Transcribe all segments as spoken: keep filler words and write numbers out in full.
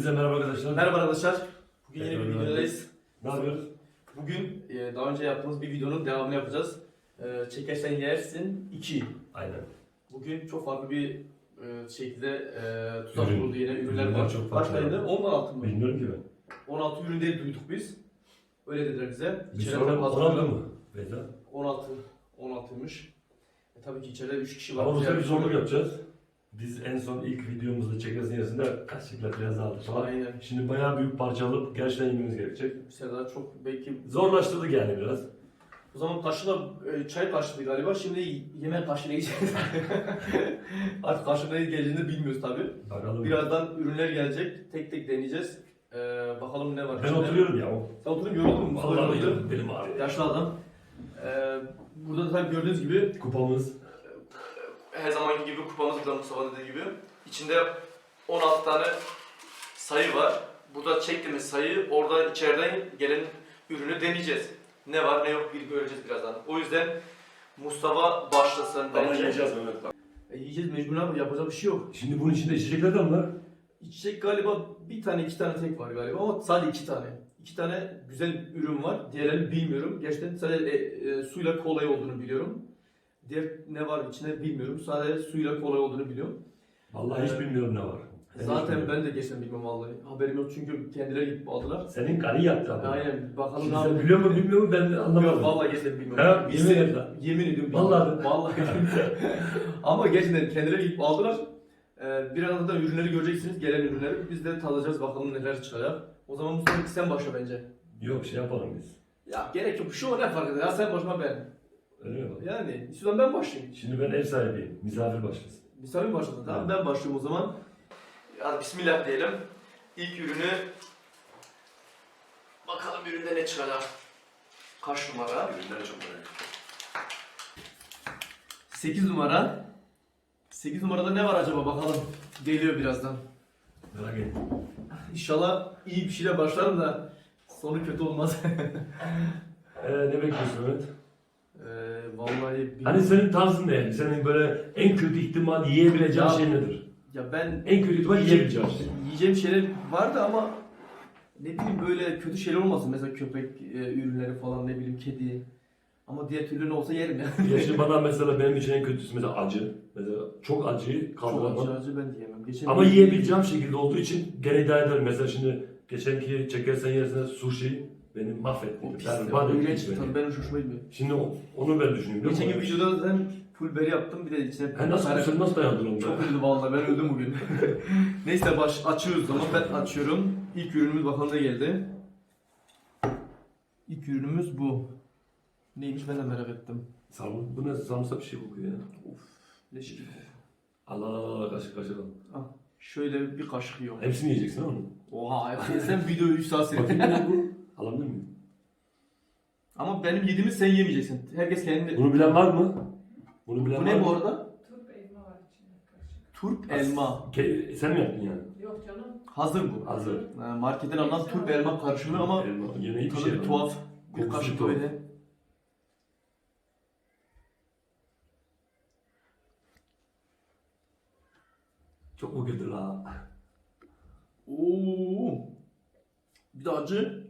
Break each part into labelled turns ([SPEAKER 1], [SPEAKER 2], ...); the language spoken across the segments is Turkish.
[SPEAKER 1] Hepinize merhaba arkadaşlar.
[SPEAKER 2] Merhaba arkadaşlar. Bugün yeni bir
[SPEAKER 1] Merhaba.
[SPEAKER 2] videodayız.
[SPEAKER 1] Ne yapıyoruz?
[SPEAKER 2] Bugün e, daha önce yaptığımız bir videonun devamını yapacağız. E, Çekersen yersin iki.
[SPEAKER 1] Aynen.
[SPEAKER 2] Bugün çok farklı bir e, şekilde e, tuzak
[SPEAKER 1] Ürün.
[SPEAKER 2] kuruldu yine ürünler
[SPEAKER 1] Ürünler
[SPEAKER 2] var.
[SPEAKER 1] çok
[SPEAKER 2] Kaç
[SPEAKER 1] farklı.
[SPEAKER 2] tane? on altı mı?
[SPEAKER 1] Bilmiyorum ki ben.
[SPEAKER 2] on altı ürün diye duyduk biz. Öyle dediler bize.
[SPEAKER 1] Bir
[SPEAKER 2] İçeride
[SPEAKER 1] sonra
[SPEAKER 2] fazla
[SPEAKER 1] on altı
[SPEAKER 2] ürün-
[SPEAKER 1] mı? Beyza.
[SPEAKER 2] on altı. on altıymış. E, tabii ki içeride üç kişi var.
[SPEAKER 1] Ama bu sefer bir
[SPEAKER 2] Yani-
[SPEAKER 1] zorluk yapacağız. Biz en son ilk videomuzda çekersin yarısında kaşıkla biraz aldık falan.
[SPEAKER 2] Aynen.
[SPEAKER 1] Şimdi bayağı büyük parça alıp gerçekten yememiz gerekecek.
[SPEAKER 2] Bir sefer daha çok belki...
[SPEAKER 1] Zorlaştırdık yani biraz.
[SPEAKER 2] O zaman kaşıkla e, çay kaşığı galiba. Şimdi yemek kaşığıyla yiyeceğiz. Artık kaşıkla geleceğini bilmiyoruz tabii.
[SPEAKER 1] Bakalım.
[SPEAKER 2] Birazdan ürünler gelecek. Tek tek deneyeceğiz. Ee, bakalım ne var
[SPEAKER 1] Ben
[SPEAKER 2] içinde.
[SPEAKER 1] oturuyorum ya.
[SPEAKER 2] Sen oturup yoruldun mu?
[SPEAKER 1] Vallahi
[SPEAKER 2] Yoruldun.
[SPEAKER 1] yoruldum. Benim ağrıyor.
[SPEAKER 2] Yaşlı adam. Ee, burada da tabii gördüğünüz gibi
[SPEAKER 1] Kupamız.
[SPEAKER 2] her zamanki gibi kupamız burada Mustafa dediği gibi. İçinde on altı tane sayı var. Burada çektiğimiz sayı orada içeriden gelen ürünü deneyeceğiz. Ne var ne yok bir göreceğiz birazdan. O yüzden Mustafa başlasın
[SPEAKER 1] Ama
[SPEAKER 2] bence.
[SPEAKER 1] yiyeceğiz Mehmet.
[SPEAKER 2] E, yiyeceğiz mecbur ama yapacak bir şey yok.
[SPEAKER 1] Şimdi bunun içinde içecekler de mi var?
[SPEAKER 2] İçecek galiba bir tane iki tane tek var galiba ama sadece iki tane. İki tane güzel ürün var. Diğerlerini bilmiyorum. Gerçekten sadece e, e, suyla kolay olduğunu biliyorum. Diğer ne var içinde bilmiyorum. Sadece suyla kolay olduğunu biliyorum.
[SPEAKER 1] Vallahi hiç
[SPEAKER 2] Ee,
[SPEAKER 1] bilmiyorum ne var. Ben hiç
[SPEAKER 2] Zaten
[SPEAKER 1] bilmiyorum.
[SPEAKER 2] ben de geçen bilmem vallahi. Haberim yok çünkü kendileri gidip aldılar.
[SPEAKER 1] Senin karı yaptı abi.
[SPEAKER 2] Aynen bakalım
[SPEAKER 1] Şimdi
[SPEAKER 2] ne
[SPEAKER 1] sen
[SPEAKER 2] yapıyor.
[SPEAKER 1] biliyor musun bilmiyor musun ben
[SPEAKER 2] Yok
[SPEAKER 1] anlamadım.
[SPEAKER 2] vallahi gerçekten bilmiyorum.
[SPEAKER 1] Ha,
[SPEAKER 2] Biz
[SPEAKER 1] yemin
[SPEAKER 2] de-
[SPEAKER 1] et lan.
[SPEAKER 2] Yemin ediyorum.
[SPEAKER 1] Vallahi
[SPEAKER 2] bilmiyorum. Vallahi. Ama gerçekten kendileri gidip aldılar. Ee, birazdan da ürünleri göreceksiniz. Gelen ürünleri. Biz de tadacağız bakalım neler çıkacak. O zaman Mustafa sen başla bence.
[SPEAKER 1] Yok şey yapalım biz.
[SPEAKER 2] Ya gerek yok. Şu ne fark eder? Ya sen başıma ben.
[SPEAKER 1] Öyle mi?
[SPEAKER 2] Yani istiyorsan ben başlayayım.
[SPEAKER 1] Şimdi ben ev sahibiyim. Misafir başlasın.
[SPEAKER 2] Misafir başladı tamam.
[SPEAKER 1] Evet.
[SPEAKER 2] Ben başlıyorum o zaman. Hadi bismillah diyelim. İlk ürünü bakalım üründe ne çıkacak. Kaç numara?
[SPEAKER 1] Ürünleri çok merak ettim.
[SPEAKER 2] sekiz numara. sekiz numarada ne var acaba bakalım. Geliyor birazdan.
[SPEAKER 1] Merak ettim.
[SPEAKER 2] İnşallah iyi bir şeyle başlarım da sonu kötü olmaz.
[SPEAKER 1] Ee, ne bekliyorsun Mehmet?
[SPEAKER 2] Ee, vallahi bilmiyorum.
[SPEAKER 1] Hani senin tarzın ne yani? Senin böyle en kötü ihtimal yiyebileceğin
[SPEAKER 2] Ya-
[SPEAKER 1] şey nedir?
[SPEAKER 2] Ya ben
[SPEAKER 1] En kötü ihtimal yiyebileceğin şey.
[SPEAKER 2] yiyeceğim şeyler vardı ama ne bileyim böyle kötü şeyler olmasın. Mesela köpek e, ürünleri falan ne bileyim kedi. Ama diğer türlü ne olsa yerim yani.
[SPEAKER 1] Ya şimdi bana mesela benim için en kötüsü mesela acı. Mesela çok acıyı
[SPEAKER 2] Çok acı
[SPEAKER 1] kaldıramam.
[SPEAKER 2] acı ben diyemem. Geçen
[SPEAKER 1] Ama yiyebileceğim şekilde olduğu için gene iddia ederim. Mesela şimdi geçenki çekersen yersine sushi beni mahvetti.
[SPEAKER 2] O pis.
[SPEAKER 1] Yani
[SPEAKER 2] Ya,
[SPEAKER 1] bana
[SPEAKER 2] iğrenç
[SPEAKER 1] hiç
[SPEAKER 2] bir tadı.
[SPEAKER 1] beni.
[SPEAKER 2] Ben hoş- hoşuma gitmiyor.
[SPEAKER 1] Şimdi o- onu ben düşünüyorum.
[SPEAKER 2] Geçen
[SPEAKER 1] biliyor
[SPEAKER 2] gün
[SPEAKER 1] musun?
[SPEAKER 2] videoda zaten full berry yaptım. Bir de içine
[SPEAKER 1] Ben nasıl,
[SPEAKER 2] Kare-
[SPEAKER 1] sen nasıl dayandın onu?
[SPEAKER 2] Çok üzüldüm vallahi ben öldüm bugün. Neyse baş açıyoruz o zaman ben açıyorum. İlk ürünümüz bakalım ne geldi. İlk ürünümüz bu. Neymiş ben de merak ettim.
[SPEAKER 1] Sarımsak, bu ne? Sarımsak bir şey kokuyor ya.
[SPEAKER 2] Of leş gibi.
[SPEAKER 1] Allah Allah Allah kaşık kaşık al.
[SPEAKER 2] Ah, şöyle bir kaşık yiyorum.
[SPEAKER 1] Hepsini yiyeceksin ama.
[SPEAKER 2] Oha sen videoyu üç saat
[SPEAKER 1] Bakayım
[SPEAKER 2] seyrettin.
[SPEAKER 1] ne bu? Alabilir miyim?
[SPEAKER 2] Ama benim yediğimi sen yemeyeceksin. Herkes kendi.
[SPEAKER 1] Bunu bilen var mı? Bunu bilen
[SPEAKER 2] Bu
[SPEAKER 1] var
[SPEAKER 2] ne
[SPEAKER 1] mı?
[SPEAKER 2] bu arada?
[SPEAKER 3] Turp elma var içinde karışık.
[SPEAKER 2] Turp elma.
[SPEAKER 1] Ke- sen mi yaptın yani?
[SPEAKER 3] Yok canım.
[SPEAKER 2] Hazır bu.
[SPEAKER 1] Hazır.
[SPEAKER 2] Ha, Marketten alınan turp elma karışımı ama
[SPEAKER 1] Elma. Yemeği bir
[SPEAKER 2] tadı
[SPEAKER 1] şey.
[SPEAKER 2] bir tuhaf. Bir
[SPEAKER 1] Kokusu
[SPEAKER 2] kaşık
[SPEAKER 1] tuhaf.
[SPEAKER 2] böyle.
[SPEAKER 1] Çok mu kötü la?
[SPEAKER 2] Oo. Bir de acı.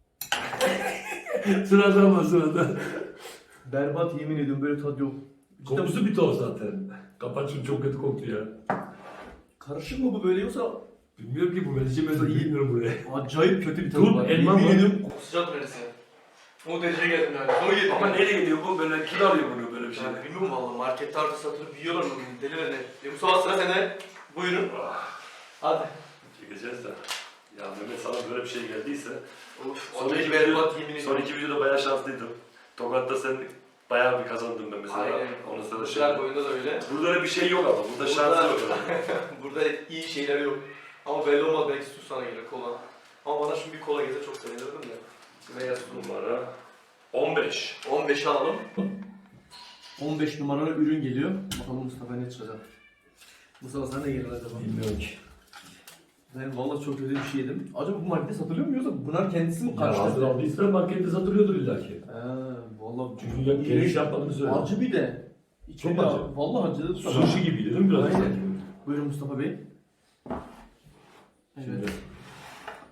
[SPEAKER 1] Sırada ama sırada.
[SPEAKER 2] Berbat yemin ediyorum böyle tadı yok. Cidden
[SPEAKER 1] Kokusu bir tuhaf zaten. Kapat şunu çok kötü koktu ya.
[SPEAKER 2] karışık mı bu böyle yoksa
[SPEAKER 1] Bilmiyorum ki bu ben içemedim. Bilmiyorum buraya.
[SPEAKER 2] acayip kötü bir tadı
[SPEAKER 1] Turp
[SPEAKER 2] var.
[SPEAKER 1] elma
[SPEAKER 2] Yemin
[SPEAKER 1] mı?
[SPEAKER 2] ediyorum sıcak neresi? O dereceye geldim yani. Onu yedim.
[SPEAKER 1] Ama nereye gidiyor bu? Böyle kim alıyor bunu böyle bir şey?
[SPEAKER 2] Yani bilmiyorum valla markette artık satılıp yiyorlar mı? Deliler ne? Ya Mustafa sıra sende. Buyurun. Hadi.
[SPEAKER 1] Çekeceğiz de. Ya Mehmet sana böyle bir şey geldiyse.
[SPEAKER 2] Of,
[SPEAKER 1] Son
[SPEAKER 2] acayip
[SPEAKER 1] iki,
[SPEAKER 2] berbat
[SPEAKER 1] video,
[SPEAKER 2] yemin
[SPEAKER 1] son
[SPEAKER 2] ediyorum.
[SPEAKER 1] iki videoda bayağı şanslıydım. Tokat'ta sen bayağı bir kazandın ben mesela.
[SPEAKER 2] Aynen.
[SPEAKER 1] Onu sana şey.
[SPEAKER 2] Güzel boyunda da öyle.
[SPEAKER 1] Burada öyle bir şey yok ama. Burada
[SPEAKER 2] Burada-
[SPEAKER 1] şans yok.
[SPEAKER 2] Burada iyi şeyler yok. Ama belli olmaz belki su sana gelir kola. Ama bana şimdi bir kola gelse çok sevinirdim de. Veya su.
[SPEAKER 1] Numara on beş.
[SPEAKER 2] on beşi alalım. on beş numaralı ürün geliyor. Bakalım Mustafa ne çıkacak. Mustafa sana ne gelir acaba?
[SPEAKER 1] Bilmiyorum ki.
[SPEAKER 2] Ben vallahi çok kötü bir şey yedim. Acaba bu markette satılıyor mu yoksa bunlar kendisi mi
[SPEAKER 1] Ya hazır
[SPEAKER 2] karıştırdı?
[SPEAKER 1] aldıysa markette satılıyordur illa ki.
[SPEAKER 2] He vallahi
[SPEAKER 1] Çünkü ya geniş yapmadığını söyle.
[SPEAKER 2] acı bir de. İçeri
[SPEAKER 1] Çok acı.
[SPEAKER 2] Vallahi acı.
[SPEAKER 1] Sushi gibiydi değil mi biraz?
[SPEAKER 2] Aynen.
[SPEAKER 1] sanki?
[SPEAKER 2] Buyurun Mustafa Bey.
[SPEAKER 1] Şimdi
[SPEAKER 2] Evet.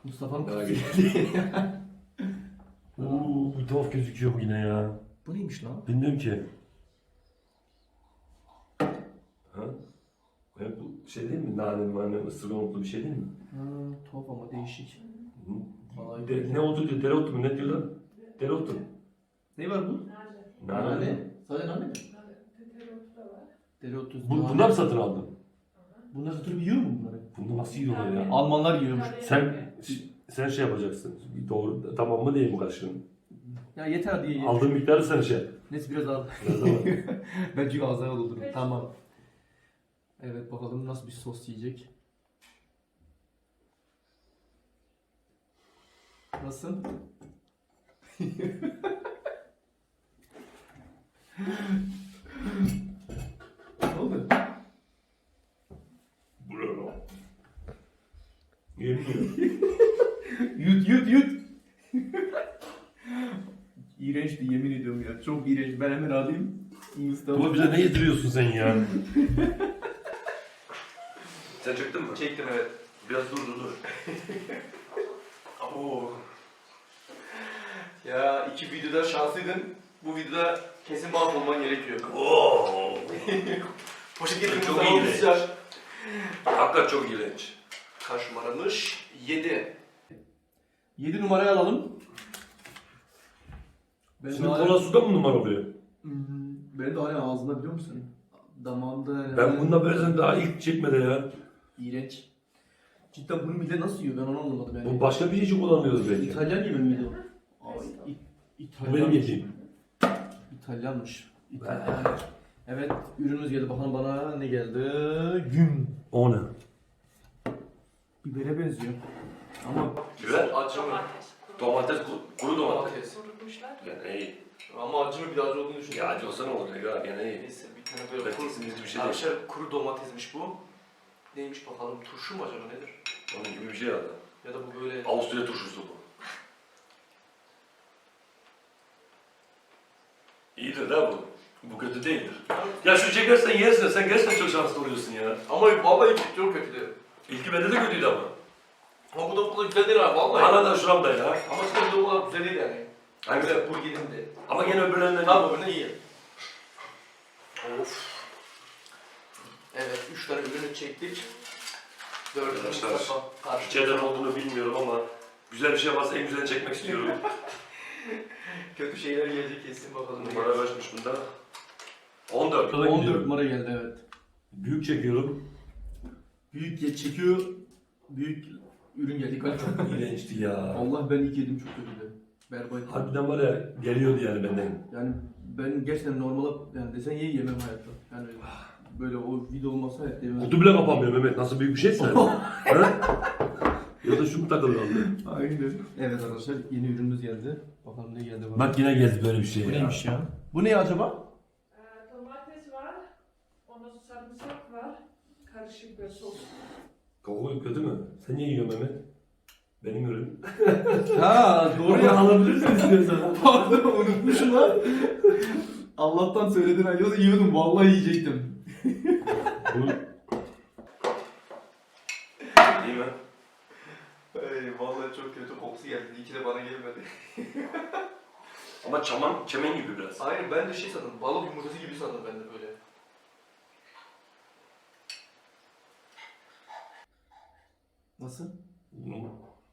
[SPEAKER 4] Mustafa'nın
[SPEAKER 1] Merak
[SPEAKER 4] kutusu geldi.
[SPEAKER 1] Uuu bir tuhaf gözüküyor bu yine ya.
[SPEAKER 4] Bu neymiş lan?
[SPEAKER 1] Bilmiyorum ki. Ha? Ya bu şey değil mi? Nane, mane, ısırgan otlu bir şey değil mi?
[SPEAKER 4] Ha, tuhaf ama değişik.
[SPEAKER 1] Hı.
[SPEAKER 4] Vallahi
[SPEAKER 1] De, ne otu diyor? Dereotu mu? Ne diyorlar? Dereotu.
[SPEAKER 4] Ne var bu?
[SPEAKER 3] Nane.
[SPEAKER 1] Nane.
[SPEAKER 4] Nane. Sadece nane mi?
[SPEAKER 3] Nane. Teterotu da var.
[SPEAKER 4] Dereotu.
[SPEAKER 1] Bu,
[SPEAKER 4] nane.
[SPEAKER 1] bunlar mı satın aldın?
[SPEAKER 4] Bunlar satılıp yiyor mu bunları?
[SPEAKER 1] Bunu nasıl yiyorlar ya?
[SPEAKER 4] Almanlar yiyormuş.
[SPEAKER 1] Sen sen şey yapacaksın. Doğru tamam mı değil mi karşılığın?
[SPEAKER 4] Ya yeter diye.
[SPEAKER 1] Aldığın miktarı sen şey. yap.
[SPEAKER 4] Neyse biraz al.
[SPEAKER 1] Biraz ama.
[SPEAKER 4] Ben çünkü ağzına doldururum. Tamam. Evet bakalım nasıl bir sos yiyecek. Nasıl? Ne oldu?
[SPEAKER 1] Bravo. Yemiyor.
[SPEAKER 4] Yut yut yut. İğrençti yemin ediyorum ya. Çok iğrenç. Ben hemen alayım. Mustafa.
[SPEAKER 1] Baba bize ne yediriyorsun sen ya? Sen çektin mi?
[SPEAKER 2] Çektim evet.
[SPEAKER 1] Biraz dur dur dur.
[SPEAKER 2] Oo. Ya iki videoda şanslıydın. Bu videoda kesin mahvolman gerekiyor.
[SPEAKER 1] Oo.
[SPEAKER 2] Poşet getirdim
[SPEAKER 1] Çok
[SPEAKER 2] sana
[SPEAKER 1] iğrenç.
[SPEAKER 2] olacak.
[SPEAKER 1] Hakikaten çok iğrenç.
[SPEAKER 2] Kaç numaramış? yedi.
[SPEAKER 4] yedi numarayı alalım. Benim
[SPEAKER 1] Şimdi
[SPEAKER 4] hala-
[SPEAKER 1] kola suda mı numara oluyor?
[SPEAKER 4] Hmm, benim de hala ağzımda biliyor musun? Damağımda yani.
[SPEAKER 1] Ben bununla böyle daha ilk çekmede ya.
[SPEAKER 4] İğrenç. Cidden bunu millet nasıl yiyor ben onu anlamadım yani.
[SPEAKER 1] Bu başka bir şey için kullanılıyoruz belki.
[SPEAKER 4] İtalyan gibi miydi o? Ay, İ-
[SPEAKER 1] Bu
[SPEAKER 4] İtalyan.
[SPEAKER 1] benim yediğim.
[SPEAKER 4] İtalyanmış. İtalyan. Evet ürünümüz geldi bakalım bana ne geldi? Güm.
[SPEAKER 1] O ne?
[SPEAKER 4] Bibere benziyor. Ama
[SPEAKER 1] Biber.
[SPEAKER 2] Acı mı?
[SPEAKER 1] Domates, kuru
[SPEAKER 2] Domates.
[SPEAKER 3] Kurutmuşlar.
[SPEAKER 1] Gene iyi.
[SPEAKER 2] Ama acı mı bir acı olduğunu düşünüyorum.
[SPEAKER 1] Ya acı olsa ne olacak ya gene iyi.
[SPEAKER 2] Neyse bir tane böyle
[SPEAKER 1] Ben
[SPEAKER 2] kuru,
[SPEAKER 1] kesinlikle bir şey değil.
[SPEAKER 2] arkadaşlar kuru domatesmiş bu. Neymiş bakalım turşu mu acaba nedir?
[SPEAKER 1] Onun gibi bir şey herhalde.
[SPEAKER 2] Ya da bu böyle...
[SPEAKER 1] Avusturya turşusu bu. İyidir da bu. Bu kötü değildir. Ya şu çekersen yersin de sen gerçekten çok şanslı oluyorsun ya.
[SPEAKER 2] Ama vallahi çok kötüydü.
[SPEAKER 1] İlki bende de kötüydü ama.
[SPEAKER 2] Ama bu da bu kadar güzel değil abi vallahi.
[SPEAKER 1] Bana da şuramda ya.
[SPEAKER 2] Ama işte bu da bu kadar güzel değil yani.
[SPEAKER 1] Hangisi?
[SPEAKER 2] Güzel burgerin de.
[SPEAKER 1] Ama gene öbürlerinden
[SPEAKER 2] Tamam öbürüne iyi. Of. Evet üç tane ürünü çektik. Dördüncü
[SPEAKER 1] Arkadaşlar,
[SPEAKER 2] Mustafa karşı.
[SPEAKER 1] İçeriden olduğunu bilmiyorum ama güzel bir şey varsa en güzelini çekmek istiyorum.
[SPEAKER 2] Kötü şeyler gelecek kesin bakalım. ne
[SPEAKER 1] Numara
[SPEAKER 2] gelecek.
[SPEAKER 1] kaçmış bunda? on dört.
[SPEAKER 4] on dört numara geldi evet.
[SPEAKER 1] Büyük çekiyorum.
[SPEAKER 4] Büyük ye- çekiyor. Büyük ürün geldi.
[SPEAKER 1] Çok iğrençti ya.
[SPEAKER 4] Allah ben ilk yedim çok kötüydü. Berbat.
[SPEAKER 1] Harbiden var ya geliyordu yani benden.
[SPEAKER 4] Yani ben gerçekten normal yani desen ye yemem hayatta. Yani böyle o video olmasa hayatta yemem.
[SPEAKER 1] Kutu bile kapanmıyor Mehmet. Nasıl büyük bir şeyse. Ha? Ya da şu mu takılı kaldı?
[SPEAKER 4] Aynen. Evet arkadaşlar yeni ürünümüz geldi. Bakalım ne geldi bana.
[SPEAKER 1] Bak yine geldi böyle bir şey
[SPEAKER 4] Bu
[SPEAKER 1] ya.
[SPEAKER 4] neymiş ya? Bu ne acaba?
[SPEAKER 3] Ee, domates var. Ondan sonra sarımsak var. Karışık bir sos.
[SPEAKER 1] Koku kötü mü? Sen niye yiyorsun Mehmet? Benim ürün.
[SPEAKER 4] Ha doğru ya.
[SPEAKER 1] alabilirsin istiyorsan.
[SPEAKER 4] Pardon unutmuşum lan. Allah'tan söyledin ha. Yoksa yiyordum vallahi yiyecektim.
[SPEAKER 1] Bu... İyi mi?
[SPEAKER 2] Ay, vallahi çok kötü kokusu geldi. İyi ki de bana gelmedi.
[SPEAKER 1] Ama çaman, çemen gibi biraz.
[SPEAKER 2] Aynen ben de şey sandım. Balık yumurtası gibi sandım ben de böyle.
[SPEAKER 4] Nasıl?
[SPEAKER 1] Bunu-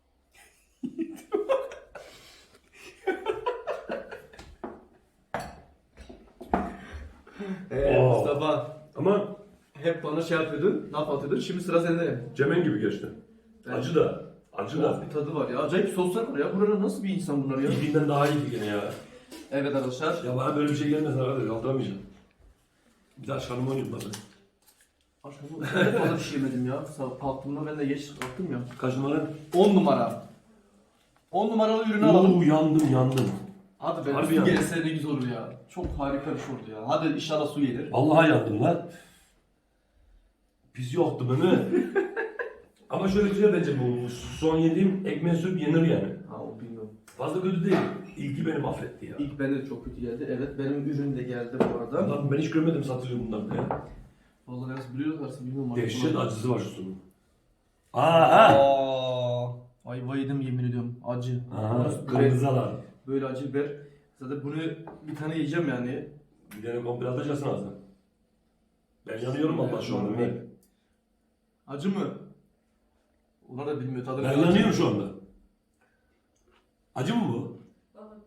[SPEAKER 4] Eee
[SPEAKER 1] Oo.
[SPEAKER 4] Mustafa.
[SPEAKER 1] Ama
[SPEAKER 4] Hep bana şey yapıyordun, laf atıyordun. Şimdi sıra sende.
[SPEAKER 1] çemen gibi geçti.
[SPEAKER 4] Evet.
[SPEAKER 1] Acı da. Acı
[SPEAKER 4] Tuhaf
[SPEAKER 1] da.
[SPEAKER 4] bir tadı var ya. Acayip soslar var ya. Burada nasıl bir insan bunlar ya?
[SPEAKER 1] İlkinden daha iyiydi gene ya.
[SPEAKER 4] Evet arkadaşlar.
[SPEAKER 1] Ya bana böyle bir şey gelmesin arkadaş. Kaldıramayacağım. Bir daha şarkımı oynayayım bana.
[SPEAKER 4] Aşkım ben de fazla bir şey yemedim ya. Sabah kalktığımda ben de geç kalktım ya.
[SPEAKER 1] Kaç numara?
[SPEAKER 4] on numara. on numaralı ürünü alalım.
[SPEAKER 1] Oo yandım yandım.
[SPEAKER 4] Hadi be
[SPEAKER 1] Harbi
[SPEAKER 4] su
[SPEAKER 1] ya.
[SPEAKER 4] gelse ne güzel olur ya. Çok harika bir şey oldu ya. Hadi inşallah su gelir.
[SPEAKER 1] Vallahi yandım lan. Pis yoktu Mehmet. Ama şöyle güzel bence bu. Son yediğim ekmeğe sürüp yenir yani.
[SPEAKER 4] Ha o bilmiyorum.
[SPEAKER 1] Fazla kötü değil. İlki beni mahvetti ya.
[SPEAKER 4] İlk bende de çok kötü geldi. Evet benim ürün de geldi bu arada.
[SPEAKER 1] Lan ben hiç görmedim satılıyor bunlar ya.
[SPEAKER 4] Vallahi nasıl biliyorlarsa bilmiyorum.
[SPEAKER 1] Dehşet acısı var şu sunun.
[SPEAKER 4] Aa. Ayva yedim yemin ediyorum. Acı.
[SPEAKER 1] Aha,
[SPEAKER 4] Böyle,
[SPEAKER 1] kırmızı alan.
[SPEAKER 4] böyle acı biber. Zaten bunu bir tane yiyeceğim yani.
[SPEAKER 1] Bir tane komple atacaksın ağzına. Ben yanıyorum Allah şu anda. Ben,
[SPEAKER 4] Acı mı? Onlar da bilmiyor tadını.
[SPEAKER 1] ben yanıyorum şu anda. Acı mı bu?
[SPEAKER 3] Bana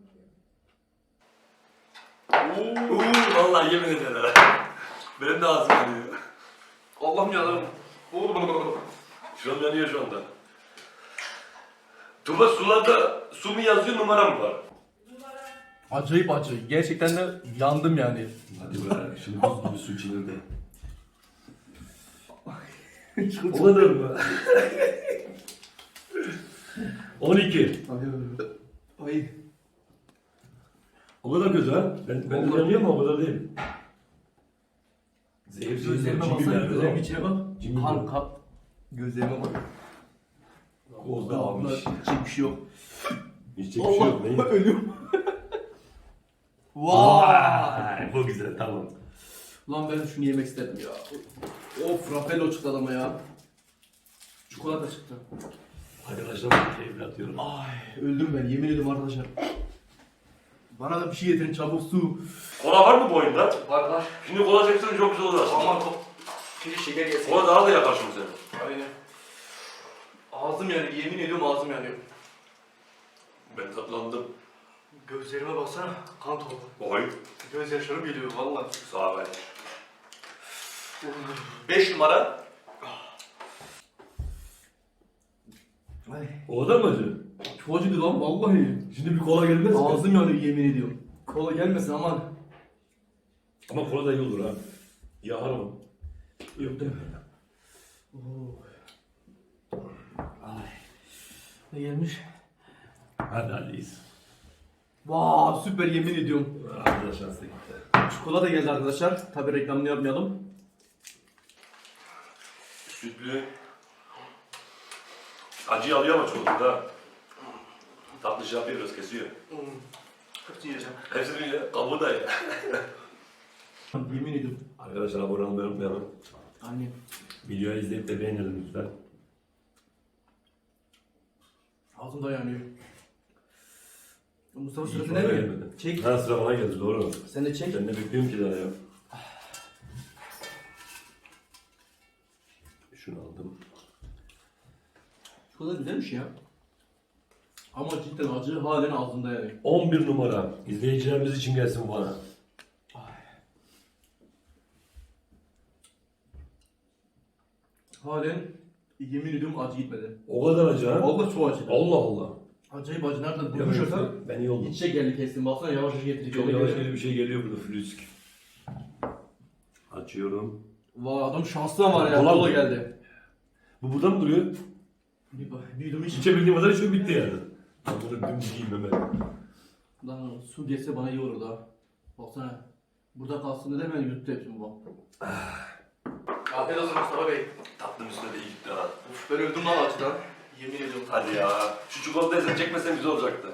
[SPEAKER 3] biliyorum.
[SPEAKER 1] Uuu vallahi yemin ederim. Benim de ağzım yanıyor.
[SPEAKER 2] Allah'ım yarabbim.
[SPEAKER 1] Şu an yanıyor şu anda. Tuba sularda su mu yazıyor numara mı var?
[SPEAKER 3] Numara
[SPEAKER 4] Acayip acı. Gerçekten de yandım yani.
[SPEAKER 1] Hadi be şimdi buz gibi su içilir de. O kadar mı? on iki.
[SPEAKER 4] Ay.
[SPEAKER 1] O kadar kötü ha. Ben, ben de yanıyor mu o kadar değil. Zehirsiz
[SPEAKER 4] Gözlerime
[SPEAKER 1] cimri
[SPEAKER 4] baksana,
[SPEAKER 1] nerede
[SPEAKER 4] gözlerimin
[SPEAKER 1] o?
[SPEAKER 4] içine bak.
[SPEAKER 1] Cimri
[SPEAKER 4] Kan
[SPEAKER 1] bu.
[SPEAKER 4] kap. Gözlerime bak.
[SPEAKER 1] Kozda almış.
[SPEAKER 4] Hiç bir şey yok.
[SPEAKER 1] Hiç bir şey yok.
[SPEAKER 4] Allah, ölüyorum.
[SPEAKER 1] Vay, bu güzel tamam.
[SPEAKER 4] Lan ben şunu yemek istedim ya. Of, Raffaello çıktı adama ya. Çikolata çıktı.
[SPEAKER 1] Arkadaşlar keyifli atıyorum.
[SPEAKER 4] Ay, öldüm ben yemin ediyorum arkadaşlar. Bana da bir şey getirin çabuk su.
[SPEAKER 1] Kola var mı bu oyunda?
[SPEAKER 2] Var var.
[SPEAKER 1] Şimdi kola çeksen çok güzel olur aslında.
[SPEAKER 2] Aman top. Bir şeker yesin.
[SPEAKER 1] Kola daha da yakar şimdi seni.
[SPEAKER 2] Aynen. Ağzım yanıyor. Yemin ediyorum ağzım yanıyor.
[SPEAKER 1] Ben tatlandım.
[SPEAKER 2] Gözlerime baksana. Kan topu.
[SPEAKER 1] Oy.
[SPEAKER 2] Göz yaşlarım geliyor valla.
[SPEAKER 1] Sağ ol.
[SPEAKER 2] beş numara.
[SPEAKER 4] Ay,
[SPEAKER 1] O kadar mı acı?
[SPEAKER 4] çok acıdı lan vallahi.
[SPEAKER 1] Şimdi bir kola gelmez mi?
[SPEAKER 4] Ağzım yanıyor yemin ediyorum. Kola gelmesin aman.
[SPEAKER 1] Ama kola da iyi olur ha. Yakar mı? Yok değil mi?
[SPEAKER 4] Ay. Ne gelmiş?
[SPEAKER 1] Hadi hadiyiz.
[SPEAKER 4] Vaa süper yemin ediyorum.
[SPEAKER 1] Arkadaşlar size gitti.
[SPEAKER 4] Çikolata geldi arkadaşlar. Tabi reklamını yapmayalım.
[SPEAKER 1] Sütlü. Acıyı alıyor ama çok da. Tatlı şey yapıyor biraz kesiyor.
[SPEAKER 2] Hmm. Hepsini yiyeceğim.
[SPEAKER 1] Hepsini ya, kabuğu da ya.
[SPEAKER 4] Yemin ediyorum.
[SPEAKER 1] Arkadaşlar abone olmayı unutmayalım.
[SPEAKER 4] Anne.
[SPEAKER 1] Videoyu izleyip de beğenelim lütfen.
[SPEAKER 4] Ağzımda yanıyor. Mustafa
[SPEAKER 1] İyi
[SPEAKER 4] sırası
[SPEAKER 1] kola
[SPEAKER 4] ne mi?
[SPEAKER 1] gelmedi.
[SPEAKER 4] Çek.
[SPEAKER 1] Ha sıra bana geldi doğru.
[SPEAKER 4] Sen de çek.
[SPEAKER 1] Ben de bekliyorum ki daha ya. Şunu aldım.
[SPEAKER 4] Çikolata güzelmiş ya. Ama cidden acı halen ağzımda yani.
[SPEAKER 1] on bir numara. İzleyicilerimiz için gelsin bana.
[SPEAKER 4] Halen yemin ediyorum acı gitmedi.
[SPEAKER 1] O kadar acı ha?
[SPEAKER 4] Vallahi çok acı.
[SPEAKER 1] Allah Allah.
[SPEAKER 4] Acayip acı. Nereden
[SPEAKER 1] Ya
[SPEAKER 4] bulmuş olsa?
[SPEAKER 1] ben iyi oldum.
[SPEAKER 4] İç şekerli kestim. Baksana yavaş yavaş getirecek.
[SPEAKER 1] Çok yavaş yavaş bir şey geliyor burada flüsk. Açıyorum.
[SPEAKER 4] Vay adam şanslı var ya.
[SPEAKER 1] Kola
[SPEAKER 4] Kola
[SPEAKER 1] mı?
[SPEAKER 4] geldi.
[SPEAKER 1] Bu burada mı duruyor?
[SPEAKER 4] Bir, bir yudum iç.
[SPEAKER 1] İçebildiğim kadar içiyor bitti yani. Ben bunu dümdüz yiyeyim hemen.
[SPEAKER 4] Lan su gelse bana iyi olur da. Baksana. Burada kalsın dedi hemen yuttu hepsini bak.
[SPEAKER 2] Afiyet olsun Mustafa Bey.
[SPEAKER 1] Tatlım üstüne de iyi gitti ha.
[SPEAKER 2] Uf, ben öldüm lan acıdan. Yemin ediyorum.
[SPEAKER 1] Hadi ya. Şu çikolatayı sen çekmesen güzel olacaktı.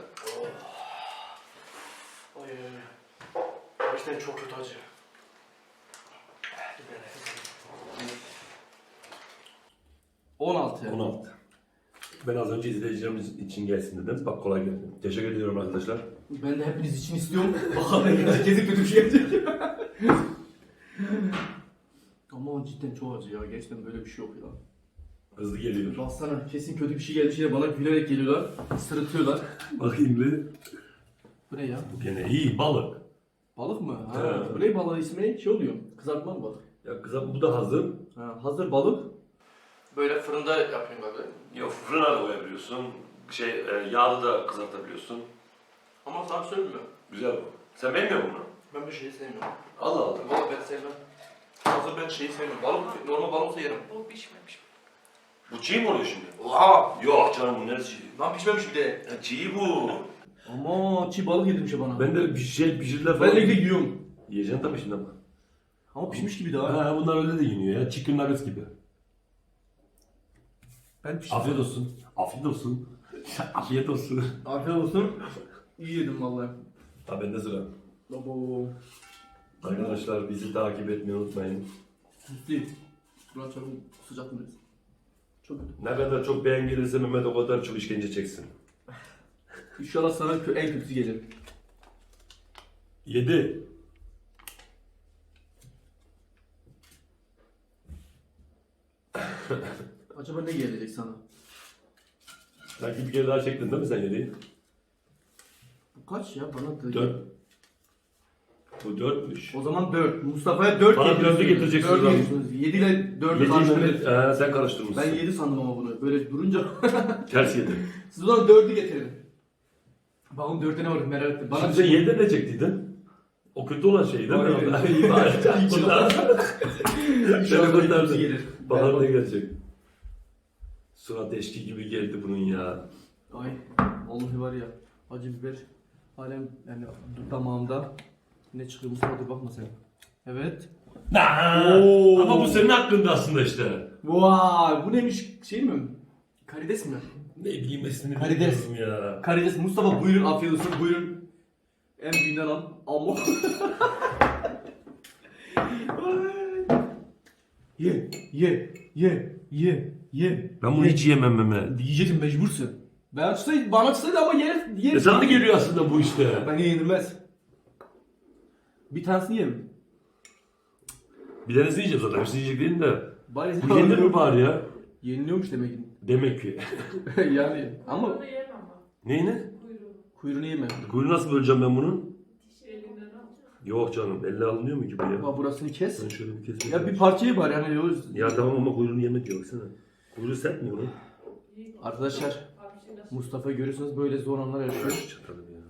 [SPEAKER 2] Ay ay ay. Gerçekten çok kötü acı. Dur ben nefes alayım.
[SPEAKER 4] on altı.
[SPEAKER 1] on altı. Ben az önce izleyicilerimiz için gelsin dedim. Bak kolay geldi. Teşekkür ediyorum arkadaşlar.
[SPEAKER 4] Ben de hepiniz için istiyorum. Bakalım herkese kötü bir şey gelecek. Ama cidden çok acı ya. Gerçekten böyle bir şey yok ya.
[SPEAKER 1] Hızlı geliyor.
[SPEAKER 4] Baksana kesin kötü bir şey gelmiş yine bana gülerek geliyorlar. Sırıtıyorlar.
[SPEAKER 1] Bakayım bir.
[SPEAKER 4] Bu ne ya?
[SPEAKER 1] Bu gene iyi balık.
[SPEAKER 4] Balık mı? Ha.
[SPEAKER 1] Evet.
[SPEAKER 4] Bu ne balığı ismi? Şey oluyor. Kızartma mı balık?
[SPEAKER 1] Ya kızım bu da hazır.
[SPEAKER 4] Ha, hazır balık.
[SPEAKER 2] Böyle fırında yapayım abi.
[SPEAKER 1] Yok fırına da koyabiliyorsun. Şey e, yağda da kızartabiliyorsun.
[SPEAKER 2] Ama sana söyleyeyim mi?
[SPEAKER 1] Güzel bu. Sen beğenmiyor musun bunu?
[SPEAKER 2] Ben bir şeyi sevmiyorum.
[SPEAKER 1] Allah Allah.
[SPEAKER 2] Valla ben sevmem. Hazır ben şeyi sevmiyorum. Balık, normal balık olsa yerim. Bu pişmemiş.
[SPEAKER 1] Bu çiğ mi oluyor şimdi?
[SPEAKER 2] Oha!
[SPEAKER 1] Yok canım bu neresi çiğ?
[SPEAKER 2] Lan pişmemiş bir de.
[SPEAKER 1] Ya çiğ bu.
[SPEAKER 4] Ama çiğ balık yedirmiş bana.
[SPEAKER 1] Ben de bir şey pişirdiler falan.
[SPEAKER 4] Ben de yiyorum.
[SPEAKER 1] Yiyeceksin tabii şimdi ama.
[SPEAKER 4] Ama pişmiş gibi daha.
[SPEAKER 1] Ha bunlar öyle de yeniyor ya. Chicken nuggets gibi.
[SPEAKER 4] Ben pişmiş.
[SPEAKER 1] Afiyet olsun. Afiyet olsun. Afiyet olsun.
[SPEAKER 4] Afiyet olsun. İyi yedim vallahi.
[SPEAKER 1] Ha bende sıra.
[SPEAKER 4] Abo.
[SPEAKER 1] Arkadaşlar bizi takip etmeyi unutmayın.
[SPEAKER 4] Süslü. Burak çabuk sıcak mı? Çok kötü.
[SPEAKER 1] Ne kadar çok beğen gelirse Mehmet o kadar çok işkence çeksin.
[SPEAKER 4] İnşallah sana kö- en kötüsü gelir.
[SPEAKER 1] Yedi.
[SPEAKER 4] Acaba ne gelecek sana?
[SPEAKER 1] Belki bir kere daha çektin değil mi sen yediği?
[SPEAKER 4] Bu kaç ya? Bana da...
[SPEAKER 1] Dört. Bu dörtmüş.
[SPEAKER 4] O zaman dört. Mustafa'ya dört
[SPEAKER 1] Bana
[SPEAKER 4] getiriyorsunuz.
[SPEAKER 1] dördü getireceksin
[SPEAKER 4] dört
[SPEAKER 1] o zaman.
[SPEAKER 4] getiriyorsunuz. yedi ile dördü
[SPEAKER 1] Yediği
[SPEAKER 4] karşılayın.
[SPEAKER 1] Mehmet ee, sen karıştırmışsın.
[SPEAKER 4] Ben yedi sandım ama bunu. Böyle durunca...
[SPEAKER 1] Ters yedi.
[SPEAKER 4] Siz o zaman dördü getirin. Bakalım dörtte ne var merak ettim. Bana
[SPEAKER 1] Şimdi sen yedide ne çektiydin? O kötü olan şey değil mi?
[SPEAKER 4] Hayır.
[SPEAKER 1] Onlar iyi bari.
[SPEAKER 4] İnşallah
[SPEAKER 1] Seni
[SPEAKER 4] en kötüsü
[SPEAKER 1] kurtardı.
[SPEAKER 4] gelir.
[SPEAKER 1] Bahar ne gelecek? Surat eşki gibi geldi bunun ya.
[SPEAKER 4] Ay vallahi var ya acı biber halen yani damağımda ne çıkıyor Mustafa bakma sen. Evet. Oo.
[SPEAKER 1] Ama bu senin hakkında aslında işte.
[SPEAKER 4] Vay bu neymiş şey mi? Karides mi?
[SPEAKER 1] Ne bileyim ismini
[SPEAKER 4] Karides.
[SPEAKER 1] bilmiyorum ya.
[SPEAKER 4] Karides Mustafa buyurun afiyet olsun buyurun. En büyüğünden al. Ama. ye ye ye ye ye.
[SPEAKER 1] Ben bunu
[SPEAKER 4] ye.
[SPEAKER 1] hiç yemem Mehmet.
[SPEAKER 4] Diyeceksin mecbursun. Ben çıksaydı bana çıksaydı ama yer yer.
[SPEAKER 1] E sana da geliyor aslında bu işte.
[SPEAKER 4] Ben yenilmez. Bir tanesini yerim.
[SPEAKER 1] Bir tanesini yiyeceğim zaten. Hepsini yiyecek değilim de.
[SPEAKER 4] Bari
[SPEAKER 1] Bu yenir mi bari ya?
[SPEAKER 4] Yeniliyormuş demek ki.
[SPEAKER 1] Demek ki.
[SPEAKER 4] yani ama
[SPEAKER 3] Onu yemem ama.
[SPEAKER 1] Neyini?
[SPEAKER 3] Kuyruğu.
[SPEAKER 4] kuyruğunu yeme.
[SPEAKER 1] Kuyruğu nasıl böleceğim ben bunun?
[SPEAKER 3] Dişi elinden al.
[SPEAKER 1] Yok canım. Elle alınıyor mu ki bu ya?
[SPEAKER 4] Bak burasını kes.
[SPEAKER 1] Ben şöyle bir keseyim.
[SPEAKER 4] Ya bir parçayı var yani. o-
[SPEAKER 1] Ya tamam ama kuyruğunu yemek yok baksana. Kuyruğu sert mi bunun?
[SPEAKER 3] İyi.
[SPEAKER 4] Arkadaşlar
[SPEAKER 3] Abi şey nasıl?
[SPEAKER 4] Mustafa'yı görüyorsunuz böyle zor anlar yaşıyor.
[SPEAKER 1] Çatalım ya.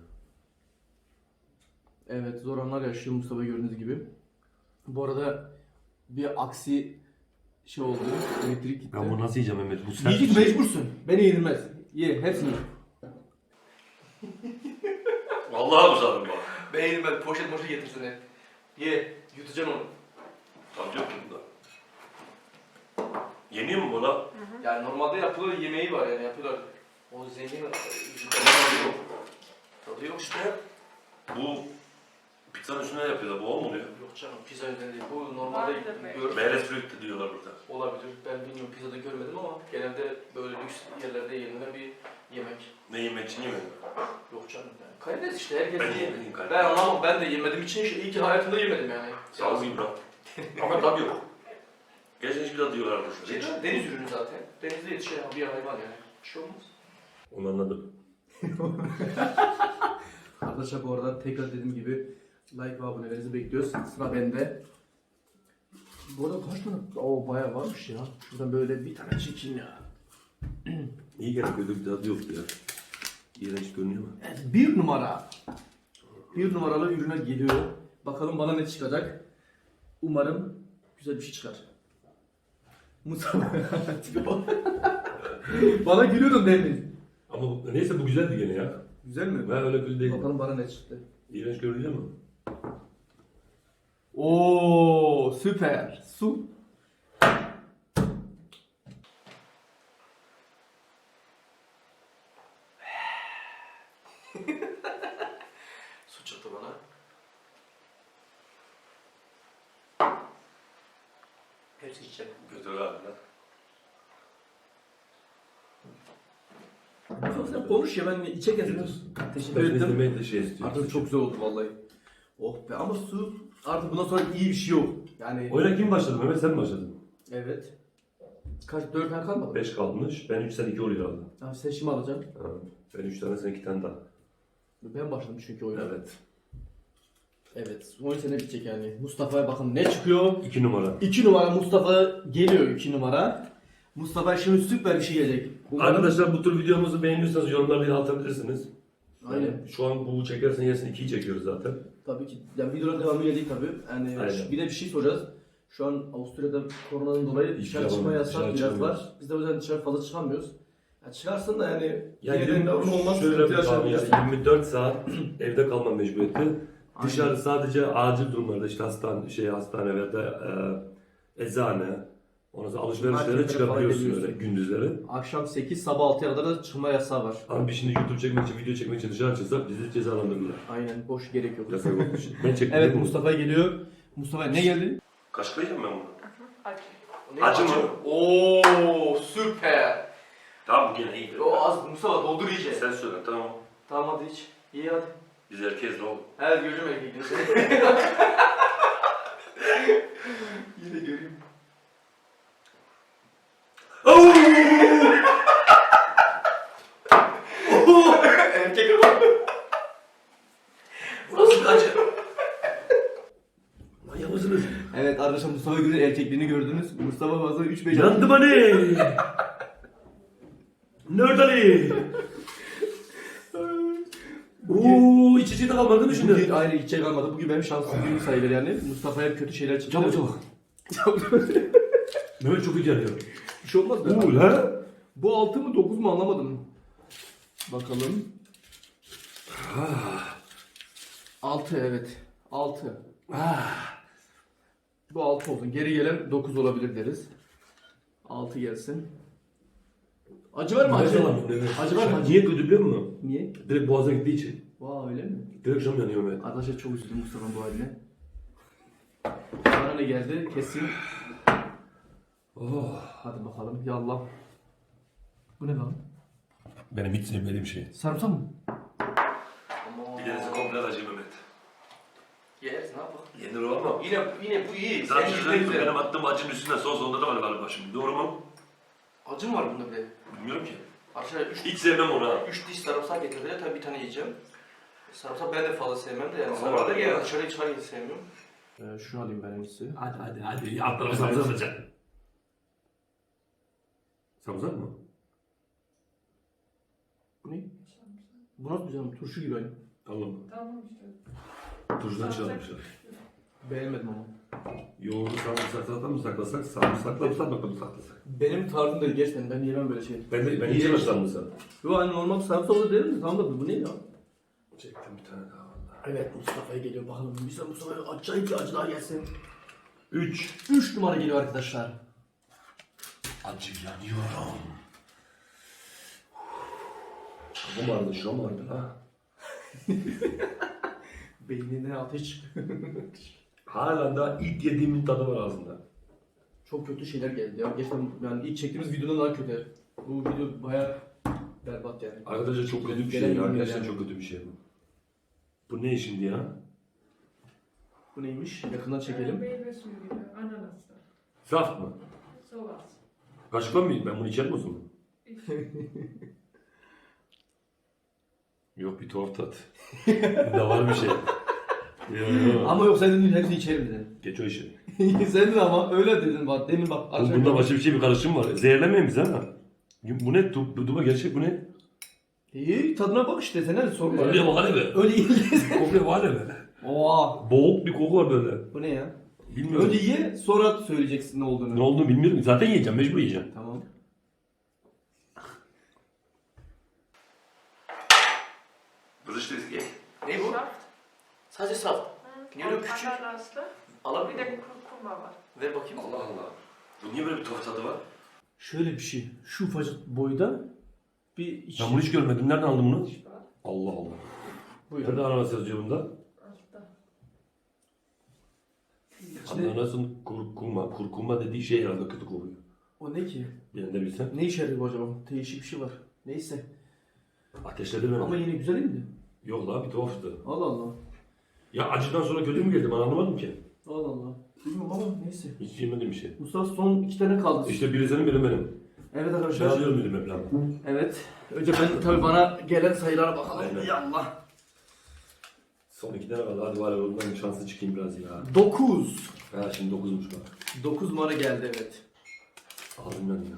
[SPEAKER 4] Evet zor anlar yaşıyor Mustafa gördüğünüz gibi. Bu arada bir aksi şey oldu. Elektrik gitti.
[SPEAKER 1] Ben bunu nasıl yiyeceğim Mehmet? Bu sert bir
[SPEAKER 4] Yiyecek
[SPEAKER 1] şey.
[SPEAKER 4] mecbursun. Beni yenilmez. Ye hepsini. ye.
[SPEAKER 1] Vallahi uzadım bak.
[SPEAKER 2] Beğenin ben poşet moşet getirsin hep. Ye, yutacaksın onu.
[SPEAKER 1] Tabii yok bunda. Yeniyor mu bu la?
[SPEAKER 2] Yani normalde yapılır yemeği var yani yapıyorlar. O zengin tadı yok. Tadı yok işte.
[SPEAKER 1] Bu pizzanın üstüne yapıyorlar. Bu o mu oluyor?
[SPEAKER 2] Yok canım pizza öyle değil. Bu normalde
[SPEAKER 3] Vardır be.
[SPEAKER 2] gör
[SPEAKER 1] Meyres früktü diyorlar burada.
[SPEAKER 2] olabilir. Ben bilmiyorum pizzada görmedim ama genelde böyle lüks yerlerde yenilen bir yemek.
[SPEAKER 1] Ne yemek için yemedim.
[SPEAKER 2] Yok canım yani. Karides işte herkes
[SPEAKER 1] Ben
[SPEAKER 2] yiyor.
[SPEAKER 1] yemedim karides.
[SPEAKER 2] Ben anlamam ben de yemedim için işte iyi ki hayatımda yemedim yani.
[SPEAKER 1] Sağ ol İbrahim. Ama tabii yok. Gerçekten hiçbir tadı diyorlar
[SPEAKER 2] Şey,
[SPEAKER 1] arkadaşlar.
[SPEAKER 2] deniz ürünü zaten. Denizde yetişen bir hayvan yani. Bir şey olmaz.
[SPEAKER 1] Onu anladım.
[SPEAKER 4] Arkadaşlar bu arada tekrar dediğim gibi like ve abonelerinizi bekliyoruz. Sıra bende. Bu arada kaç tane? Oo bayağı varmış ya. Şuradan böyle bir tane çekeyim ya.
[SPEAKER 1] İyi gene kötü bir tadı yoktu ya. İğrenç görünüyor mu?
[SPEAKER 4] Evet, bir numara. Bir numaralı ürüne geliyor. Bakalım bana ne çıkacak. Umarım güzel bir şey çıkar. Mustafa. Tipe bak. Bana gülüyordun demin.
[SPEAKER 1] Ama bu, neyse bu güzeldi gene ya.
[SPEAKER 4] Güzel mi?
[SPEAKER 1] Ben öyle kötü değilim.
[SPEAKER 4] Bakalım bana ne çıktı.
[SPEAKER 1] İğrenç görünüyor mu?
[SPEAKER 4] Oo süper. Su.
[SPEAKER 2] Su çıktı bana. Hepsi içecek.
[SPEAKER 1] Kötü galiba.
[SPEAKER 4] Sen konuş ya ben içe getirdim. Teşekkür
[SPEAKER 1] Ben
[SPEAKER 4] ederim.
[SPEAKER 1] izlemeyi de şey istiyorum.
[SPEAKER 4] Artık çok güzel oldu vallahi. Oh be ama su artık bundan sonra iyi bir şey yok. Yani
[SPEAKER 1] Oyuna kim başladı Mehmet? Sen mi başladın?
[SPEAKER 4] evet. Kaç dört tane kalmadı.
[SPEAKER 1] beş kalmış. Ben üç sen iki oluyor aldım.
[SPEAKER 4] Abi sen şimdi alacaksın.
[SPEAKER 1] Ha, ben üç tane sen iki tane daha.
[SPEAKER 4] Ben başladım çünkü oyuna.
[SPEAKER 1] Evet.
[SPEAKER 4] Evet. on sene bitecek yani. Mustafa'ya bakın ne çıkıyor.
[SPEAKER 1] iki numara.
[SPEAKER 4] iki numara Mustafa geliyor iki numara. Mustafa şimdi süper bir şey gelecek. Umarım-
[SPEAKER 1] Arkadaşlar bu tür videomuzu beğeniyorsanız yorumlara bir atabilirsiniz.
[SPEAKER 4] Aynen.
[SPEAKER 1] Şu an bu çekersen yesin ikiyi çekiyoruz zaten.
[SPEAKER 4] Tabii ki. Yani videonun devamı gelecek tabii. Yani
[SPEAKER 1] Aynen.
[SPEAKER 4] bir de bir şey soracağız. Şu an Avusturya'da koronadan dolayı
[SPEAKER 1] Hiç
[SPEAKER 4] dışarı
[SPEAKER 1] yapamıyoruz,
[SPEAKER 4] çıkma yasak
[SPEAKER 1] dışarı
[SPEAKER 4] biraz
[SPEAKER 1] çıkamıyoruz.
[SPEAKER 4] var. Biz de o yüzden dışarı fazla çıkamıyoruz. Ya çıkarsın da yani
[SPEAKER 1] Ya
[SPEAKER 4] yine de
[SPEAKER 1] yirmi-
[SPEAKER 4] normal olmaz.
[SPEAKER 1] şöyle
[SPEAKER 4] sıkıntı
[SPEAKER 1] bir tahmin
[SPEAKER 4] yaşamayacağız.
[SPEAKER 1] ya, yirmi dört saat evde kalma mecburiyeti. Dışarı sadece acil durumlarda işte hastane, şey hastane veya da e, eczane, ondan sonra alışverişlere
[SPEAKER 4] Marketlere
[SPEAKER 1] çıkabiliyorsun
[SPEAKER 4] falan
[SPEAKER 1] öyle
[SPEAKER 4] gidebiliyorsun.
[SPEAKER 1] gündüzleri.
[SPEAKER 4] Akşam sekiz sabah altıya kadar da çıkma yasağı var.
[SPEAKER 1] Ama biz şimdi YouTube çekmek için, video çekmek için dışarı çıksak bizi cezalandırırlar.
[SPEAKER 4] Aynen boş gerek yok.
[SPEAKER 1] Yasak olduğu için. Ben çektim.
[SPEAKER 4] Evet Mustafa geliyor. Mustafa ne geldi?
[SPEAKER 1] Kaşıklayacağım ben bunu.
[SPEAKER 3] Acı.
[SPEAKER 2] Ne
[SPEAKER 1] Acı mı?
[SPEAKER 2] Oo süper.
[SPEAKER 1] Tamam bu gene iyi.
[SPEAKER 2] O az Mustafa doldur iyice.
[SPEAKER 1] Sen söyle tamam.
[SPEAKER 2] Tamam hadi iç. İyi hadi.
[SPEAKER 1] Biz herkes de ol.
[SPEAKER 2] Evet göreceğim erkekleri seni. Yine göreyim. Erkek ama.
[SPEAKER 1] Burası bir acı. Manyak mısınız?
[SPEAKER 4] Evet arkadaşlar Mustafa Gül'ün erkekliğini gördünüz. Mustafa fazla üç beş
[SPEAKER 1] Yandım hani. Nerede Ali? Ooo iç içe de kalmadı değil mi
[SPEAKER 4] Bugün
[SPEAKER 1] şimdi?
[SPEAKER 4] ayrı içe kalmadı. Bugün benim şansım günüm sayılır yani. Mustafa'ya kötü şeyler çıktı.
[SPEAKER 1] Çabuk çabuk. Mehmet çok iyi geliyor.
[SPEAKER 4] Bir şey olmaz mı?
[SPEAKER 1] Uuu ha?
[SPEAKER 4] Bu altı mı dokuz mu anlamadım. Bakalım. altı evet. altı. Bu altı olsun. Geri gelen dokuz olabilir deriz. altı gelsin. Acı var mı acı? Acı var mı acı?
[SPEAKER 1] Niye kötü biliyor musun?
[SPEAKER 4] Niye?
[SPEAKER 1] Direkt boğaza gittiği için.
[SPEAKER 4] Vay öyle mi?
[SPEAKER 1] Direkt canım yanıyor Mehmet.
[SPEAKER 4] Arkadaşlar çok üzüldüm Mustafa'nın bu haline. Bana ne geldi? Kesin.
[SPEAKER 1] Oh.
[SPEAKER 4] Hadi bakalım. Yallah. Bu ne lan?
[SPEAKER 1] Benim hiç sevmediğim şey.
[SPEAKER 4] Sarımsak mı?
[SPEAKER 2] Aman.
[SPEAKER 1] Bir tanesi komple acı Mehmet.
[SPEAKER 2] Yeriz ne yapalım?
[SPEAKER 1] Yenir o ama.
[SPEAKER 2] Yine yine bu iyi.
[SPEAKER 1] Zaten
[SPEAKER 2] Sen
[SPEAKER 1] benim,
[SPEAKER 2] güzel.
[SPEAKER 1] benim attığım acının üstünde sos onda da var galiba şimdi. Doğru mu?
[SPEAKER 2] Acı mı var bunda bir de?
[SPEAKER 1] Bilmiyorum ki.
[SPEAKER 2] Arkadaşlar üç,
[SPEAKER 1] Hiç sevmem onu ha.
[SPEAKER 2] üç diş sarımsak getirdiler. Tabii bir tane yiyeceğim. Sarımsak ben de fazla sevmem de yani.
[SPEAKER 1] Ama
[SPEAKER 2] Sarımsak da
[SPEAKER 1] var.
[SPEAKER 2] gene dışarıya çıkarken sevmiyorum.
[SPEAKER 4] Ee, şunu alayım ben en iyisi.
[SPEAKER 1] Hadi hadi hadi. Atlarım samsak atacak. Samsak mı?
[SPEAKER 4] Bu ne? Bu nasıl güzel mi? Turşu gibi aynı.
[SPEAKER 1] Tamam.
[SPEAKER 3] Tamam işte.
[SPEAKER 1] Tuzdan çıkarmışlar.
[SPEAKER 4] Beğenmedim ama.
[SPEAKER 1] Yoğurdu sarımsakla mı saklasak, sarımsakla mı sarmakla mı saklasak?
[SPEAKER 4] Benim tarzım değil gerçekten. Ben yemem böyle şey.
[SPEAKER 1] Ben de ben yiyemem sarımsak.
[SPEAKER 4] Yo hani normal sarımsak olur derim de tamam da bu ne ya?
[SPEAKER 1] Çektim bir tane daha valla.
[SPEAKER 4] Evet Mustafa'ya geliyor bakalım. Bize Mustafa'ya acayip bir acı daha gelsin.
[SPEAKER 1] Üç.
[SPEAKER 4] üç numara geliyor arkadaşlar.
[SPEAKER 1] Acı yanıyorum. Bu vardı, şu mu vardı ha?
[SPEAKER 4] Beynine ateş.
[SPEAKER 1] Hala da ilk yediğimin tadı var ağzımda.
[SPEAKER 4] Çok kötü şeyler geldi ya. Gerçekten yani ilk çektiğimiz videodan daha kötü. Bu video bayağı berbat yani.
[SPEAKER 1] Arkadaşlar çok kötü bir şey
[SPEAKER 4] Gelen
[SPEAKER 1] ya.
[SPEAKER 4] ürün
[SPEAKER 1] Gerçekten
[SPEAKER 4] yani.
[SPEAKER 1] çok kötü bir şey bu. Bu ne şimdi ya?
[SPEAKER 4] Bu neymiş? Yakından çekelim.
[SPEAKER 3] Meyve suyu gibi. Ananaslı.
[SPEAKER 1] Saf mı?
[SPEAKER 3] Sovas.
[SPEAKER 1] Kaşıkla mı yiyeyim? Ben bunu içer misin? Yok bir tuhaf tat. Bunda var bir şey. Yok, yok.
[SPEAKER 4] Ama yok sen dedin hepsini içerim dedin.
[SPEAKER 1] Geç o işi.
[SPEAKER 4] Sen dedin ama öyle dedin bak demin bak.
[SPEAKER 1] Oğlum bunda başka bir şey bir karışım var. Zehirlemeyin bizi ha. Bu ne? Du, bu duba gerçek bu ne?
[SPEAKER 4] İyi tadına bak işte sen hadi sorma.
[SPEAKER 1] Öyle var be.
[SPEAKER 4] Öyle iyi.
[SPEAKER 1] Koku var be.
[SPEAKER 4] Oha.
[SPEAKER 1] Boğuk bir koku var böyle.
[SPEAKER 4] Bu ne ya?
[SPEAKER 1] Bilmiyorum.
[SPEAKER 4] Önce ye sonra söyleyeceksin ne olduğunu.
[SPEAKER 1] Ne olduğunu bilmiyorum. Zaten yiyeceğim. Mecbur yiyeceğim.
[SPEAKER 4] Tamam.
[SPEAKER 1] Kızıştı eski.
[SPEAKER 2] Ne bu?
[SPEAKER 3] Şaft.
[SPEAKER 2] Sadece saf.
[SPEAKER 3] Hı,
[SPEAKER 2] Niye öyle küçük?
[SPEAKER 3] Ananaslı. Bir
[SPEAKER 2] Alabilir
[SPEAKER 3] de
[SPEAKER 2] miyim?
[SPEAKER 3] kurkuma var.
[SPEAKER 2] Ver bakayım.
[SPEAKER 1] Allah Allah. Bu niye böyle bir tuhaf tadı var?
[SPEAKER 4] Şöyle bir şey. Şu ufacık boyda bir iç.
[SPEAKER 1] Ben bunu hiç görmedim. Nereden aldın bunu?
[SPEAKER 3] İç var.
[SPEAKER 1] Allah Allah.
[SPEAKER 4] Buyurun.
[SPEAKER 1] Nerede ananas yazıyor bunda?
[SPEAKER 3] Altta.
[SPEAKER 4] İçinde-
[SPEAKER 1] Ananasın kurkuma. Kurkuma dediği şey herhalde kötü kokuyor.
[SPEAKER 4] O ne ki?
[SPEAKER 1] Ben de bilsem.
[SPEAKER 4] Ne işe yarıyor bu acaba? Değişik bir şey var. Neyse.
[SPEAKER 1] Ateşledi beni.
[SPEAKER 4] Ama yine güzel değil mi?
[SPEAKER 1] Yok la bir tuhaftı.
[SPEAKER 4] Allah Allah.
[SPEAKER 1] Ya acıdan sonra kötü mü geldi ben anlamadım ki.
[SPEAKER 4] Allah Allah. Bilmiyorum ama neyse.
[SPEAKER 1] Hiç yemediğim bir şey.
[SPEAKER 4] Mustafa son iki tane kaldı.
[SPEAKER 1] İşte biri senin biri benim.
[SPEAKER 4] Evet
[SPEAKER 1] Ben
[SPEAKER 4] arkadaşlar.
[SPEAKER 1] alıyorum dedim hep lan.
[SPEAKER 4] Evet. Önce ben tabii bana gelen sayılara bakalım.
[SPEAKER 1] Aynen.
[SPEAKER 4] Yallah.
[SPEAKER 1] Son iki tane kaldı. Hadi var ya ondan şanslı çıkayım biraz ya.
[SPEAKER 4] dokuz.
[SPEAKER 1] Ha şimdi dokuzmuş bak.
[SPEAKER 4] dokuz numara geldi evet.
[SPEAKER 1] Ağzım yanıyor.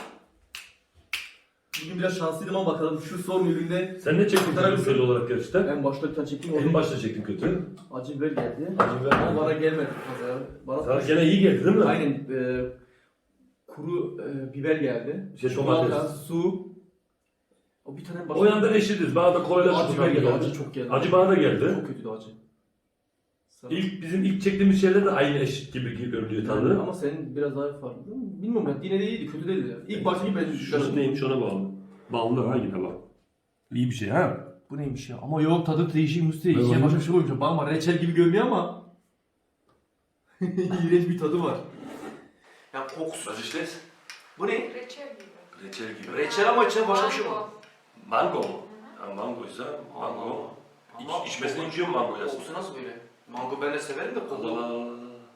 [SPEAKER 4] Bugün biraz şanslıydım ama bakalım şu son üründe
[SPEAKER 1] Sen ne çektin tarafsız olarak gerçekten?
[SPEAKER 4] en başta bir tane çektim.
[SPEAKER 1] En
[SPEAKER 4] Onun
[SPEAKER 1] başta çektin kötü.
[SPEAKER 4] acı biber geldi.
[SPEAKER 1] Acı biber
[SPEAKER 4] Ama
[SPEAKER 1] geldi.
[SPEAKER 4] bana gelmedi fazla. Bana
[SPEAKER 1] Sana gene iyi geldi değil mi?
[SPEAKER 4] aynen e, kuru e, biber geldi.
[SPEAKER 1] Şey,
[SPEAKER 4] Çikolata,
[SPEAKER 1] domates.
[SPEAKER 4] su. O bir tane başka.
[SPEAKER 1] O yanda eşitiz. Bana da kolayla
[SPEAKER 4] acı biber geldi. Acı çok geldi.
[SPEAKER 1] Acı bana da geldi.
[SPEAKER 4] Çok kötüydü acı. Sana-
[SPEAKER 1] İlk bizim ilk çektiğimiz şeyler de aynı eşit gibi görünüyor tadı.
[SPEAKER 4] Ama senin biraz daha farklı değil mi? Bilmiyorum ben. Yine de iyiydi. Kötü değildi. İlk başta gibi ben
[SPEAKER 1] Şurası neymiş ona bağlı. Bağlı ha yine bak. İyi bir şey ha.
[SPEAKER 4] Bu neymiş ya? Ama yok tadı değişik Musti.
[SPEAKER 1] Ne
[SPEAKER 4] İçine
[SPEAKER 1] var?
[SPEAKER 4] başka bir şey koymuşlar. Bakma reçel gibi görünüyor ama. İğrenç bir tadı var.
[SPEAKER 2] Yani kokusu.
[SPEAKER 1] Was ist das?
[SPEAKER 2] Bu ne?
[SPEAKER 3] Reçel gibi.
[SPEAKER 1] Reçel gibi.
[SPEAKER 2] Reçel ama içine başka bir şey var.
[SPEAKER 1] Mango mu? Ha, mangoysa mango.
[SPEAKER 2] Ama
[SPEAKER 1] İç, içmesini içiyor mu mango yasın?
[SPEAKER 2] kokusu nasıl böyle? Mango ben de severim de
[SPEAKER 1] Allah
[SPEAKER 2] koku.
[SPEAKER 1] Allah.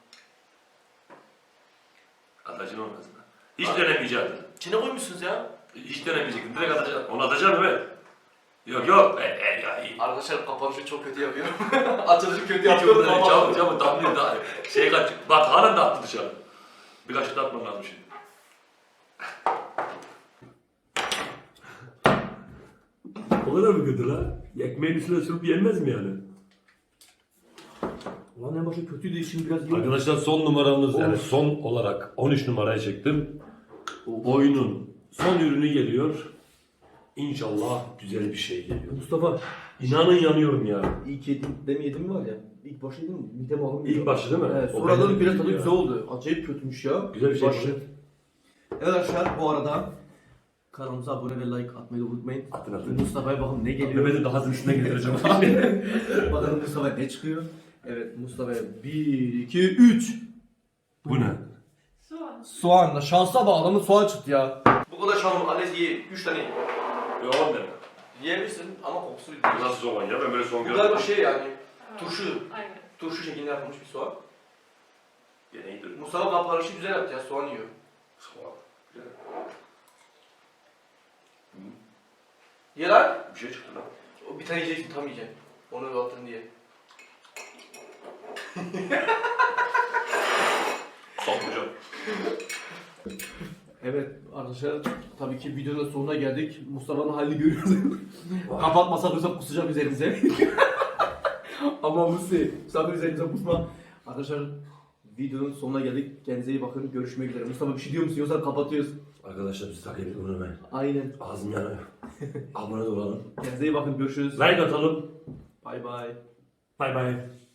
[SPEAKER 1] Atacın olmaz mı? Hiç denemeyecektin.
[SPEAKER 2] İçine koymuşsunuz ya.
[SPEAKER 1] Hiç denemeyecektin. Direkt atacaksın. Onu atacaksın evet. Yok yok. E, e, ya, iyi.
[SPEAKER 2] Arkadaşlar kapanışı çok kötü yapıyorum. Açılışı kötü
[SPEAKER 1] Hiç
[SPEAKER 2] yapıyorum
[SPEAKER 1] yok.
[SPEAKER 2] ama.
[SPEAKER 1] Çabuk çabuk tatlı da. Şey kaç. Bak halen de attı dışarı. Birkaç da atmam lazım şimdi. O kadar mı kötü lan? Ekmeğin üstüne sürüp yenmez mi yani?
[SPEAKER 4] Ulan en başta kötüydü şimdi biraz iyi.
[SPEAKER 1] Arkadaşlar son numaramız yani
[SPEAKER 4] Of.
[SPEAKER 1] son olarak on üç numaraya çektim.
[SPEAKER 4] Of.
[SPEAKER 1] Oyunun son ürünü geliyor. İnşallah güzel bir şey geliyor.
[SPEAKER 4] Mustafa
[SPEAKER 1] İnanın yanıyorum ya.
[SPEAKER 4] ilk yedim demeyedim var ya. İlk başta yedim mi? Midem alınmıyor.
[SPEAKER 1] İlk başı değil mi?
[SPEAKER 4] Evet,
[SPEAKER 1] O
[SPEAKER 4] sonradan
[SPEAKER 1] benim
[SPEAKER 4] biraz
[SPEAKER 1] değil
[SPEAKER 4] tadı
[SPEAKER 1] ya.
[SPEAKER 4] güzel oldu. Acayip kötüymüş ya.
[SPEAKER 1] Güzel bir şey
[SPEAKER 4] Başı.
[SPEAKER 1] bu.
[SPEAKER 4] Evet arkadaşlar bu arada kanalımıza abone ve like atmayı da unutmayın.
[SPEAKER 1] Atın atın.
[SPEAKER 4] Mustafa'ya bakalım ne geliyor.
[SPEAKER 1] Mehmet'in daha üstüne getireceğim.
[SPEAKER 4] Bakalım Mustafa'ya ne çıkıyor. Evet Mustafa'ya bir, iki, üç.
[SPEAKER 1] Bu ne?
[SPEAKER 3] Soğan.
[SPEAKER 4] Soğanla şansa bağlı mı soğan çıktı ya.
[SPEAKER 2] Bu kadar şalım annesi ye. Üç tane ye.
[SPEAKER 1] Yok on demek.
[SPEAKER 2] Yiyebilirsin ama kokusu
[SPEAKER 1] Bu
[SPEAKER 2] bir
[SPEAKER 1] nasıl soğan ya? Ben böyle soğan
[SPEAKER 2] Bu
[SPEAKER 1] görmedim.
[SPEAKER 2] galiba şey yani.
[SPEAKER 3] Aa,
[SPEAKER 2] Turşu.
[SPEAKER 3] Aynen.
[SPEAKER 2] Turşu şeklinde yapılmış bir soğan.
[SPEAKER 1] Gene iyidir.
[SPEAKER 2] Mustafa kapanışı güzel yaptı ya. Soğan yiyor.
[SPEAKER 1] Soğan. Güzel.
[SPEAKER 2] Ye lan.
[SPEAKER 1] Bir şey çıktı lan.
[SPEAKER 2] O bir tane yiyeceksin tam yiyeceksin. Onu attın diye.
[SPEAKER 1] Sok hocam.
[SPEAKER 4] Evet arkadaşlar tabii ki videonun sonuna geldik. Mustafa'nın halini görüyoruz. Kapatmasak olsa kusacak üzerimize. Ama Musi, Mustafa üzerimize kusma. Arkadaşlar videonun sonuna geldik. Kendinize iyi bakın. Görüşmek üzere. Mustafa bir şey diyor musun? Yoksa kapatıyoruz.
[SPEAKER 1] Arkadaşlar biz takip edin bunu ben.
[SPEAKER 4] Aynen.
[SPEAKER 1] Ağzım yanıyor. Abone de olalım.
[SPEAKER 4] Kendinize iyi bakın. Görüşürüz.
[SPEAKER 1] Like atalım.
[SPEAKER 4] Bay bay.
[SPEAKER 1] Bay bay.